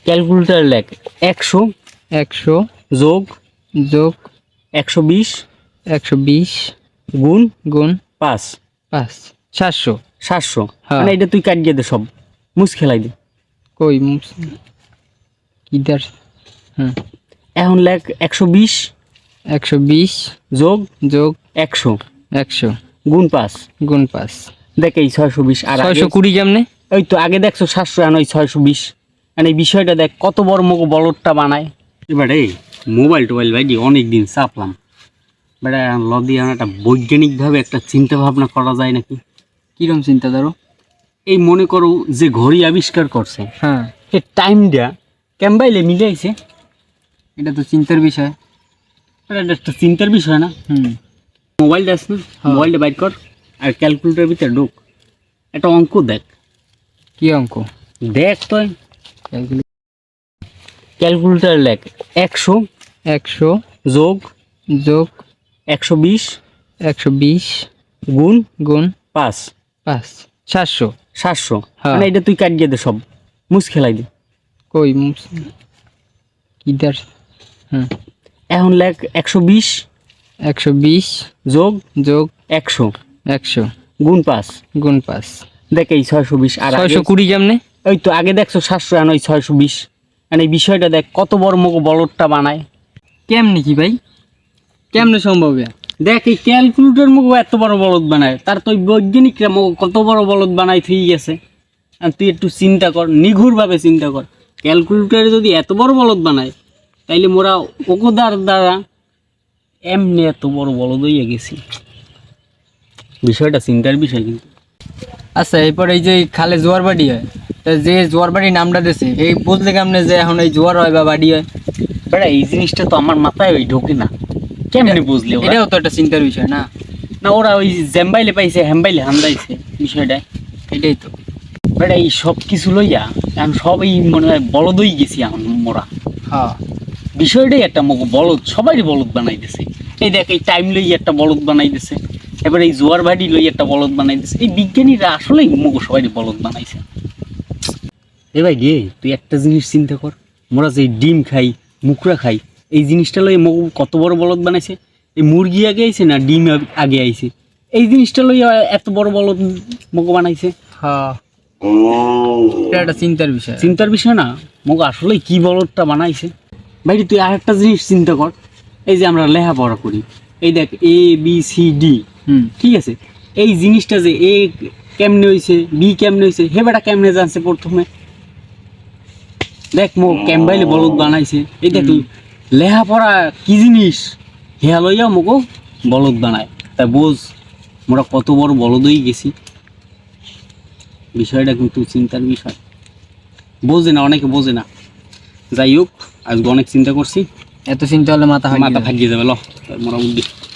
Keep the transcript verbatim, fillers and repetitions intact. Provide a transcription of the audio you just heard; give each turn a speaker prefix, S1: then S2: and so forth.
S1: Calculator লেখ একশো
S2: একশো
S1: যোগ
S2: যোগ
S1: একশো বিশ
S2: একশো বিশ
S1: গুণ
S2: গুণ
S1: পাঁচ
S2: পাঁচ সাতশো।
S1: সাতশো।
S2: হ্যাঁ।
S1: মানে এটা তুই কাটিয়ে দে, সব মুছ খেলাই দে।
S2: কই কি দার? হুম,
S1: এখন লেখ একশো বিশ
S2: একশো বিশ
S1: যোগ
S2: যোগ
S1: একশো
S2: একশো
S1: গুণ পাঁচ।
S2: গুণ পাঁচ
S1: দেখ এই ছয়শো বিশ আর
S2: ছয়শো কুড়ি কেমনে?
S1: ওই তো আগে দেখছো সাতশো, এখন ওই ছয়শো বিশ। মানে এই বিষয়টা দেখ কত বড় মুখ বলদটা বানায়। এবারে মোবাইল টোবাইল ভাই অনেক দিন চাপলাম, বেটা লদি একটা বৈজ্ঞানিকভাবে একটা চিন্তা ভাবনা করা যায় নাকি?
S2: কিরম চিন্তা ধরো?
S1: এই মনে করো যে ঘড়ি আবিষ্কার করছে,
S2: হ্যাঁ,
S1: সে টাইমটা ক্যাম্বাইলে মিলে আইছে।
S2: এটা তো চিন্তার বিষয়।
S1: এটা একটা চিন্তার বিষয় না?
S2: হুম,
S1: মোবাইলটা আছে না, মোবাইলটা বাইর কর আর ক্যালকুলেটরের ভিতরে ঢুক, একটা অঙ্ক দেখ।
S2: কি অঙ্ক?
S1: দেখ তো ক্যালকুলেটর লেখ একশো
S2: একশো
S1: যোগ
S2: যোগ
S1: একশো বিশ
S2: একশো বিশ
S1: গুণ
S2: গুণ
S1: পাঁচ।
S2: পাঁচ সাতশো।
S1: সাতশো।
S2: হ্যাঁ।
S1: মানে এটা তুই কাটিয়ে দে, সব মুছ খেলাই দে।
S2: কই কি দার? হুম,
S1: এখন লেখ একশো বিশ
S2: একশো বিশ
S1: যোগ
S2: যোগ
S1: একশো
S2: একশো
S1: গুণ পাঁচ।
S2: গুণ পাঁচ
S1: দেখ এই ছয়শো বিশ আর
S2: ছয়শো কুড়ি কেমনে?
S1: ওই তো আগে দেখছো সাতশো, এখন ওই ছয়শো বিশ। মানে এই বিষয়টা দেখ কত বড় মুখ বলদটা বানায়।
S2: কেমনে কি ভাই, কেমনে সম্ভব?
S1: দেখ এই ক্যালকুলেটর মুখ এত বড় বলদ বানায়, তার তো ওই বৈজ্ঞানিকরা মুখ কত বড় বলদ বানায় ঠিক গেছে। আর তুই একটু চিন্তা কর, নিঘুরভাবে চিন্তা কর, ক্যালকুলেটরে যদি এত বড় বলদ বানায়, তাইলে মোরা ওকোদার দ্বারা এমনি এত বড় বলদ হইয়া গেছি। বিষয়টা চিন্তার বিষয় কিন্তু।
S2: আচ্ছা, এরপর এই যে খালে জোয়ার বাড়ি হয়, তা যে জোয়ার বাড়ির নামটা দিয়েছে এই বুঝলে কেমনে যে এখন এই জোয়ার হয় বা বাড়ি হয়?
S1: বেটা এই জিনিসটা তো আমার মাথায় ওই ঢোকে না, কেমনি বুঝলি ওরা?
S2: এটাও তো একটা চিন্তার বিষয় না?
S1: না ওরা ওই জ্যাম্বাইলে পাইছে হ্যাম্বাইলে হান্দাইছে বিষয়টা।
S2: এটাই তো
S1: বেটা এই সব কিছু লইয়া এখন সবই মনে হয় বলদই গেছি এখন মোরা।
S2: হ্যাঁ,
S1: বিষয়টাই একটা মুখ বলদ, সবাই বলদ বানাই দিছে। এই দেখ এই টাইম লই একটা বলদ বানাই দিছে, এবার এই জোয়ার ভাড়ি লই একটা বলদ বানাই দিছে। এই বিজ্ঞানীরা আসলেই মুখ সবাই বলদ বানাইছে। এ ভাই গে তুই একটা জিনিস চিন্তা কর, মোরা যে ডিম খাই, মুকরা খাই, এই জিনিসটা লই মুখ কত বড় বলদ বানাইছে। এই মুরগি আগে আইছে না ডিম আগে আইছে, এই জিনিসটা লই এত বড় বলদ মুখ বানাইছে।
S2: হ্যাঁ, এটা একটা চিন্তার বিষয়।
S1: চিন্তার বিষয় না, মুখ আসলেই কি বলদটা বানাইছে। ভাই তুই আর একটা জিনিস চিন্তা কর, এই যে আমরা লেখাপড়া করি, এই দেখ এ বি সি ডি,
S2: হুম,
S1: ঠিক আছে, এই জিনিসটা যে এ কেমনে হয়েছে, বি কেমনে হয়েছে, হে বেটা কেমনে জানছে প্রথমে? দেখ মো ক্যাম্বাইলে বলদ বানাইছে। এই দেখ লেখাপড়া কি জিনিস, হেয়া লইয়া মোকো বলদ বানায়। তা বোঝ মোরা কত বড় বলদ হয়ে গেছি। বিষয়টা কিন্তু চিন্তার বিষয়, বোঝে না, অনেকে বোঝে না। যাই হোক, আজকে অনেক চিন্তা করছি,
S2: এত চিন্তা হলে মাথা
S1: মাথা ভাগিয়ে যাবে। ল মোরা উদ্দেশ্য